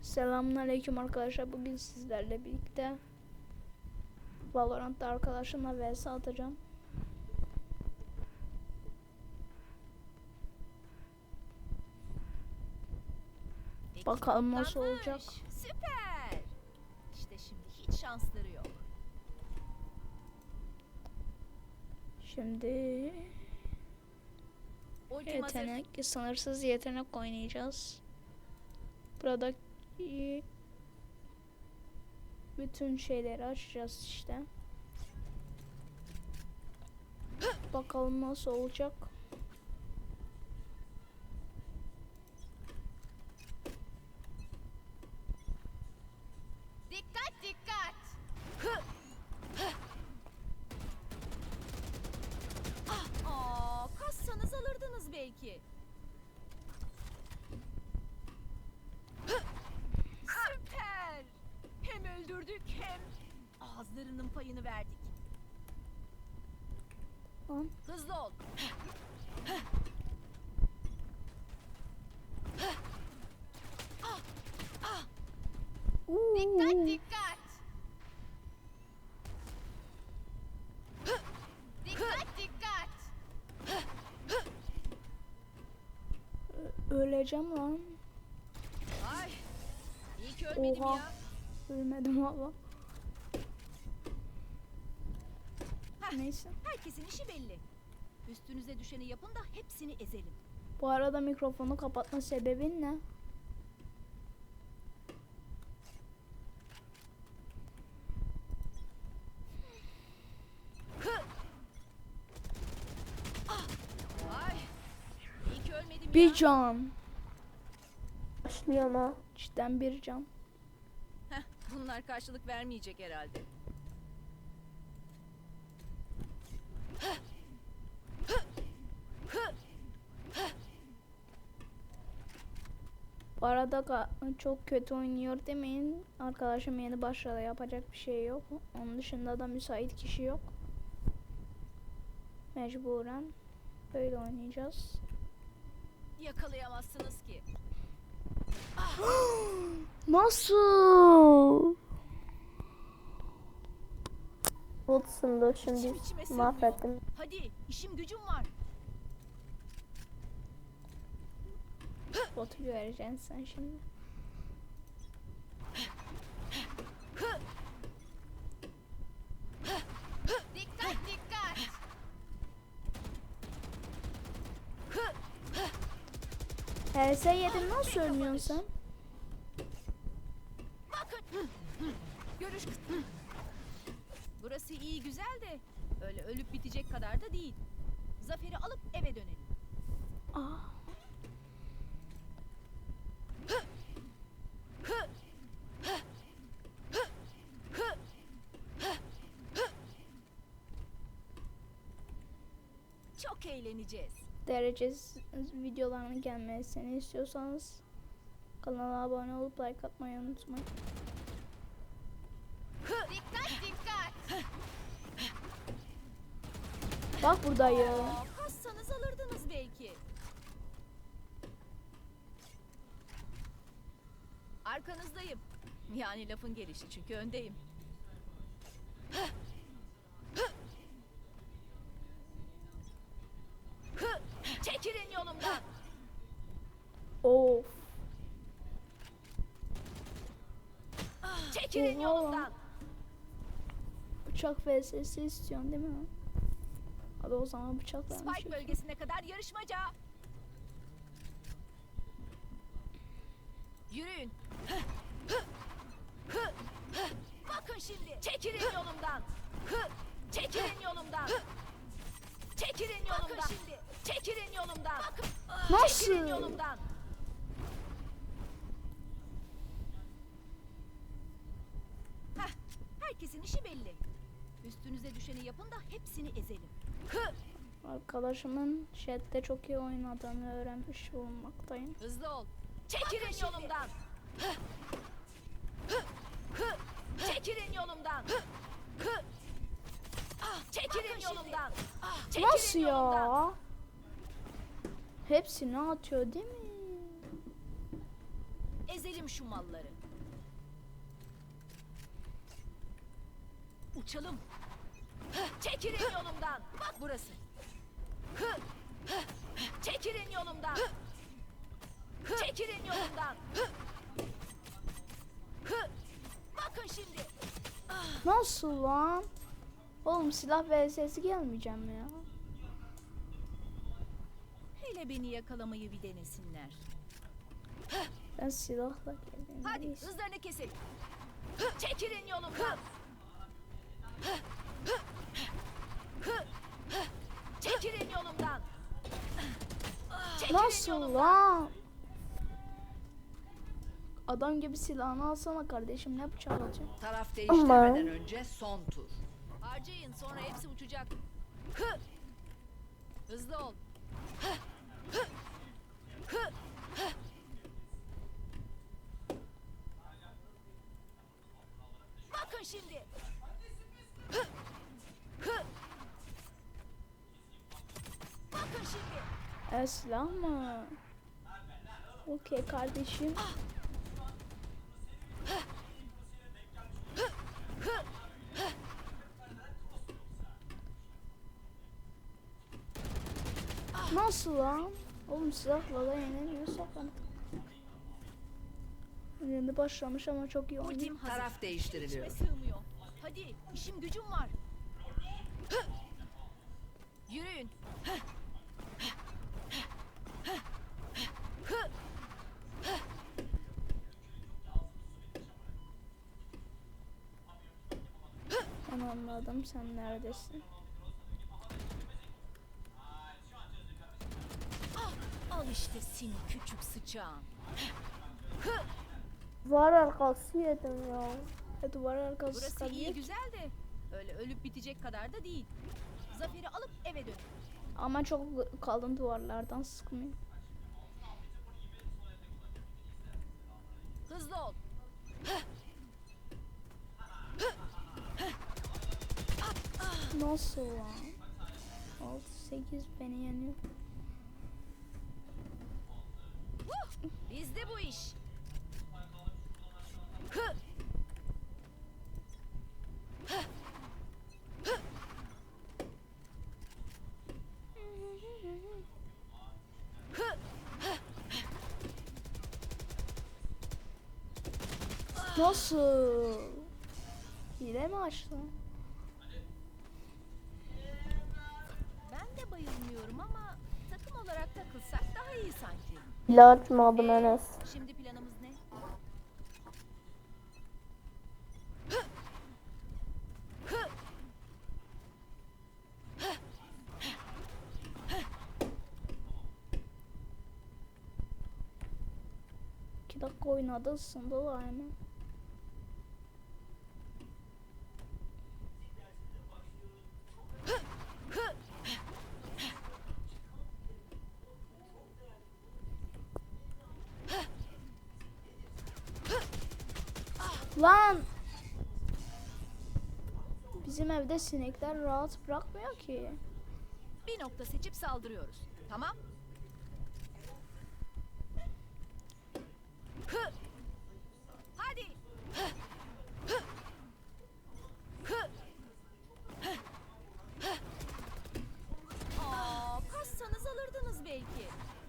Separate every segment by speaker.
Speaker 1: Selamünaleyküm arkadaşlar. Bugün sizlerle birlikte Valorant'ta arkadaşımla vs atacağım. Bakalım nasıl olacak.
Speaker 2: Süper. İşte şimdi hiç şansları yok.
Speaker 1: Şimdi
Speaker 2: Ultim hazır.
Speaker 1: sınırsız yetenek oynayacağız. Burada bütün şeyleri açacağız işte. Bakalım nasıl olacak.
Speaker 2: Dikkat dikkat. Kassanız alırdınız belki. Süper. Hem öldürdük hem ağızlarının payını verdik.
Speaker 1: Tamam.
Speaker 2: Hızlı ol. Dikkat dikkat. Dikkat dikkat.
Speaker 1: Öleceğim lan.
Speaker 2: Ay. İyi ki ölmedim
Speaker 1: Oha.
Speaker 2: ya.
Speaker 1: Ölmedim valla.
Speaker 2: Heh,
Speaker 1: Neyse.
Speaker 2: herkesin işi belli. Üstünüze düşeni yapın da hepsini ezelim.
Speaker 1: Bu arada mikrofonu kapatma sebebin ne?
Speaker 2: Ay. İyi ki ölmedim
Speaker 1: Bir
Speaker 2: ya.
Speaker 1: can. Başlıyor ama. Cidden bir can.
Speaker 2: Heh, bunlar karşılık vermeyecek herhalde.
Speaker 1: Bu arada çok kötü oynuyor demeyin. Arkadaşım yeni başladı. Yapacak bir şey yok. Onun dışında da müsait kişi yok. Mecburen böyle oynayacağız.
Speaker 2: Yakalayamazsınız ki.
Speaker 1: Nasıl?
Speaker 3: Botsundu şimdi
Speaker 2: İçime sığmıyor.
Speaker 3: mahvettim.
Speaker 2: Hadi işim gücüm var.
Speaker 1: Botu göreceksin sen şimdi.
Speaker 2: Dikkat dikkat.
Speaker 1: HS yedin nasıl ölmüyorsun sen?
Speaker 2: Bakın. Görüş. Burası iyi güzel de öyle ölüp bitecek kadar da değil. Zaferi alıp eve dönelim.
Speaker 1: Aa.
Speaker 2: Çok eğleneceğiz.
Speaker 1: Derecesiz videoların gelmesini istiyorsanız kanala abone olup like atmayı unutmayın.
Speaker 2: Dikkat dikkat.
Speaker 1: Bak buradayım.
Speaker 2: Kassanız alırdınız belki. Arkanızdayım. Yani lafın gelişi çünkü öndeyim. Çekilin yolumdan.
Speaker 1: Of.
Speaker 2: Çekilin
Speaker 1: Oha.
Speaker 2: yolumdan.
Speaker 1: Bıçak vs istiyorsun değil mi? Hadi o zaman bıçak vermiş.
Speaker 2: Spike bölgesine kadar yarışmaca. Yürüyün. Bakın şimdi. Çekilin yolumdan. Çekilin yolumdan. Çekilin yolumdan. Bakın şimdi. Çekilin yolumdan. Bakın. Çekilin
Speaker 1: Nasıl?
Speaker 2: yolumdan. Heh, herkesin işi belli. Üstünüze düşeni yapın da hepsini ezelim.
Speaker 1: Arkadaşımın chatte çok iyi oynadığını öğrenmiş bulunmaktayım.
Speaker 2: Hızlı ol. Çekilin yolumdan. Çekilin yolumdan. Çekilin yolumdan. Çekilin
Speaker 1: Nasıl
Speaker 2: yolumdan.
Speaker 1: ya? Hepsini atıyor değil mi?
Speaker 2: Ezelim şu malları. Uçalım. Çekilin yolumdan. Bak burası. Çekilin yolumdan. Çekilin yolumdan. Bakın şimdi.
Speaker 1: Nasıl lan? Oğlum silah vs gelmeyeceğim ya.
Speaker 2: Hele beni yakalamayı bir denesinler.
Speaker 1: Ben silahla geldim.
Speaker 2: Hadi
Speaker 1: Neyse.
Speaker 2: hızlarını kesin. Çekilin yolumdan. Çekilin yolumdan. Çekilin
Speaker 1: Nasıl
Speaker 2: yolumdan.
Speaker 1: lan? Adam gibi silahını alsana kardeşim, ne bıçak alacak?
Speaker 4: Taraf değiştirmeden önce son tur.
Speaker 2: Harcayın, sonra hepsi uçacak. Hızlı ol. Bakın şimdi. Bakın şimdi.
Speaker 1: Silah mı? Okey kardeşim. Nasıl lan? Oğlum silahla da yenemiyorsak hani. Yeni başlamış ama çok iyi oynuyor.
Speaker 2: Ultim hazır.
Speaker 4: Taraf değiştiriliyor.
Speaker 2: İçime sığmıyor. Hadi, işim gücüm var. Yürüyün.
Speaker 1: Ben anladım, sen neredesin?
Speaker 2: Al işte seni küçük sıçağın.
Speaker 3: Var arkası yedim ya.
Speaker 1: Duvar arkası
Speaker 2: Burası iyi
Speaker 1: sıkabilir.
Speaker 2: güzel de öyle ölüp bitecek kadar da değil. Zafer'i alıp eve dön.
Speaker 1: Ama çok kalın duvarlardan sıkmıyor.
Speaker 2: Hızlı ol.
Speaker 1: Nasıl lan? 6-8 beni yeniyor.
Speaker 2: Bizde bu iş.
Speaker 1: Nasıl? Hile mi açtı?
Speaker 2: Ben de bayılmıyorum ama takım olarak takılsak daha iyi sanki.
Speaker 3: Bile açmadım Enes.
Speaker 2: Şimdi planımız ne?
Speaker 1: İki dakika oynadı, ısındılar hemen. Lan! Bizim evde sinekler rahat bırakmıyor ki.
Speaker 2: Bir nokta seçip saldırıyoruz. Tamam? Hadi. Kassanız alırdınız belki.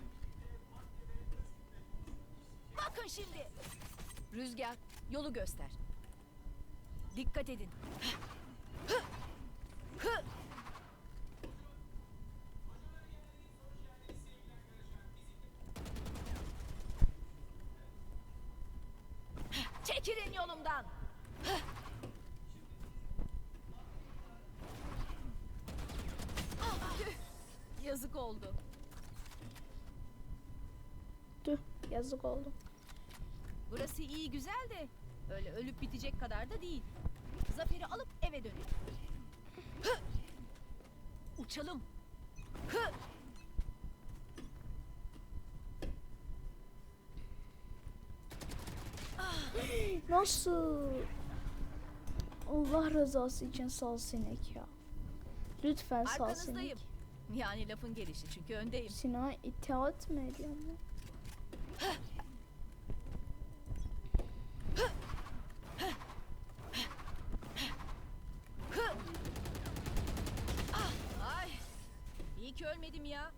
Speaker 2: Bakın şimdi. Rüzgar, yolu göster. Dikkat edin. Çekilin yolumdan. Yazık oldu.
Speaker 1: Tüh, yazık oldu.
Speaker 2: Burası iyi güzel de öyle ölüp bitecek kadar da değil. Zafer'i alıp eve dönelim. Uçalım.
Speaker 1: Nasıl? Allah rızası için sal sinek ya. Lütfen sal sinek.
Speaker 2: Arkanızdayım. Yani lafın gelişi çünkü öndeyim.
Speaker 1: Sinan itaat mı ediyor mu?
Speaker 2: vermedim ya.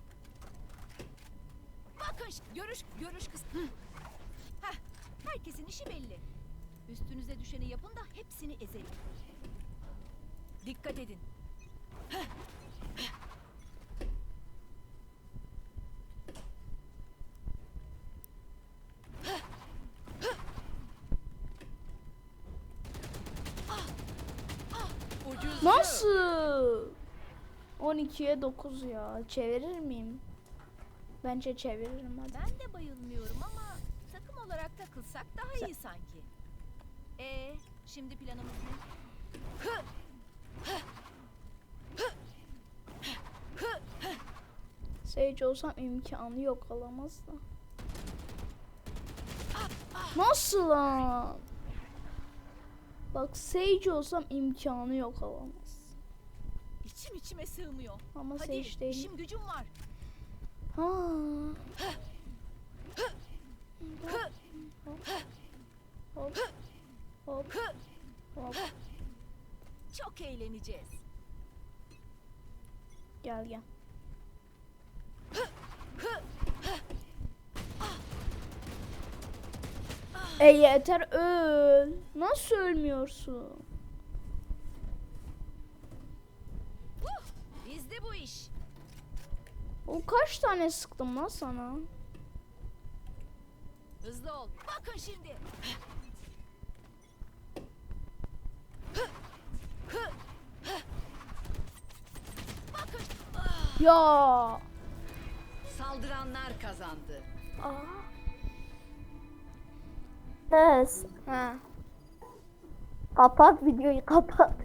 Speaker 2: Bakın görüş kız. Heh, herkesin işi belli. Üstünüze düşeni yapın da hepsini ezelim. Dikkat edin.
Speaker 4: Ucuz.
Speaker 1: Nasıl? 12'ye 9 ya. Çevirir miyim? Bence çeviririm hadi.
Speaker 2: Ben de bayılmıyorum ama takım olarak takılsak daha iyi sanki. Şimdi planımız ne?
Speaker 1: Sage olsam imkanı yok, alamaz da. Nasıl lan? Bak Sage olsam imkanı yok, alamaz.
Speaker 2: İçim içime sığmıyor.
Speaker 1: Ama
Speaker 2: Hadi
Speaker 1: Sage değil.
Speaker 2: işim gücüm var.
Speaker 1: Ha. Hop. Hop. Hop.
Speaker 2: Çok eğleneceğiz.
Speaker 1: Gel gel. Yeter, öl. Nasıl ölmüyorsun?
Speaker 2: Bizde bu iş.
Speaker 1: O kaç tane sıktım lan sana?
Speaker 2: Hızlı ol. Bakın şimdi. Bakın.
Speaker 1: Ya.
Speaker 4: Saldıranlar kazandı.
Speaker 3: Enes
Speaker 1: Ha.
Speaker 3: kapat videoyu, kapat.